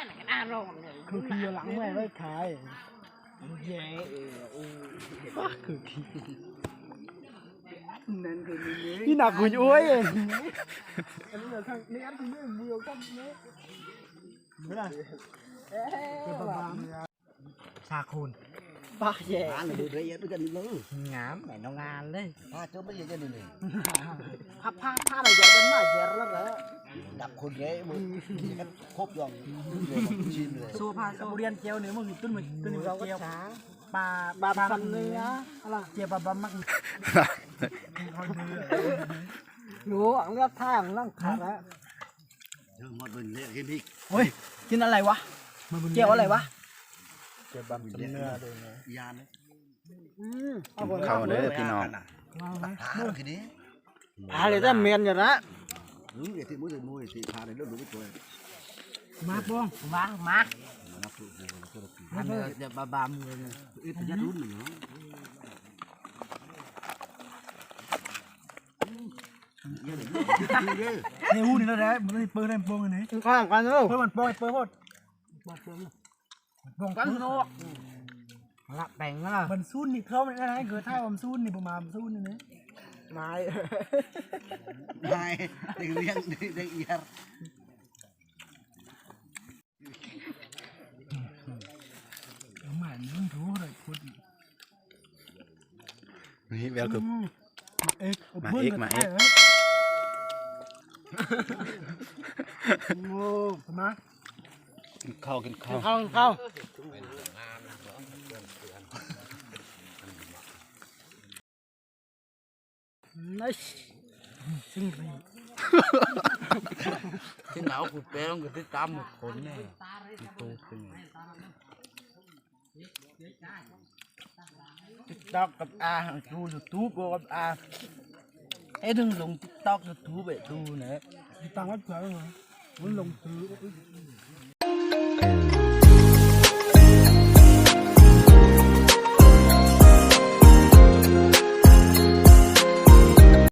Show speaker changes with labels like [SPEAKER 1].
[SPEAKER 1] คือขี้หลังแม่ไม่ขายแย่ป้าคือขี้นั่นคือนี่หนักกูช่วยเองอันนี้ทางนี้อันที่ไม่เดียวกันเนี้ยไม่ได้เก็บบ้าชาคูนป้าแย่เลยดูได้เยอะด้วยกันเลยงามแม่น้องงานเลยป้าเจ้าไม่เยอะกันเลยผ้าอะไรเยอะกันมากเยอะแล้วเหรอดับคนเละมึงกันครบยองชิมเลยสู้ผ้าสู้เรียนเจียวเนื้อมึงตุ้นมึงตุ้นเราก็ช้าปลาฟันเนื้ออะไรเจียวปลาบ้ามักรู้อังเลือดท่าอังล่างขาดแล้วหมดเป็นเละกินอีกเฮ้ยกินอะไรวะเจียวอะไรวะเจียวบะหมี่เนื้อเลยนะยาน
[SPEAKER 2] เข้าเด้อพี่น้อง
[SPEAKER 1] อะไรแต่เมียนอยู่นะ
[SPEAKER 3] เดี๋ยวที่มือเลยมือที่พาเลยเรื่องดูไม่ตัว
[SPEAKER 1] มาป้องมาเดี๋ยวบามือเลย
[SPEAKER 3] เป็นยัดรุ่นหนึ่งเนาะ
[SPEAKER 1] นี่หูนี่แล้วแหละมันเปิดได้ป้องอันนี้ข้างกันเลยเปิดมันป้องเปิดหมดป้องกันโน่ละแต่งนะมันซูนนี่เขาไม่ได้เกิดท่ามันซูนนี่ประมาณซูนนี่นะไม่
[SPEAKER 3] เด็กเลี้ยงเด็กเอียร์
[SPEAKER 1] หมานึ่งถูเลยคุณ
[SPEAKER 2] นี่แววคือมาเอก
[SPEAKER 1] โอ้มา
[SPEAKER 2] กินข้าว
[SPEAKER 1] nice ซึ่ง
[SPEAKER 2] ที่หนาวกูเปรี้ยวกูติดตามหมดคนแน่ตูเป็น
[SPEAKER 1] ติ๊กต็อกกับอาดูยูทูบกับอาไอ้ดึงลงติ๊กต็อกยูทูบไปดูเนี่ยติดตามว่าเผื่อมันลงซื้อ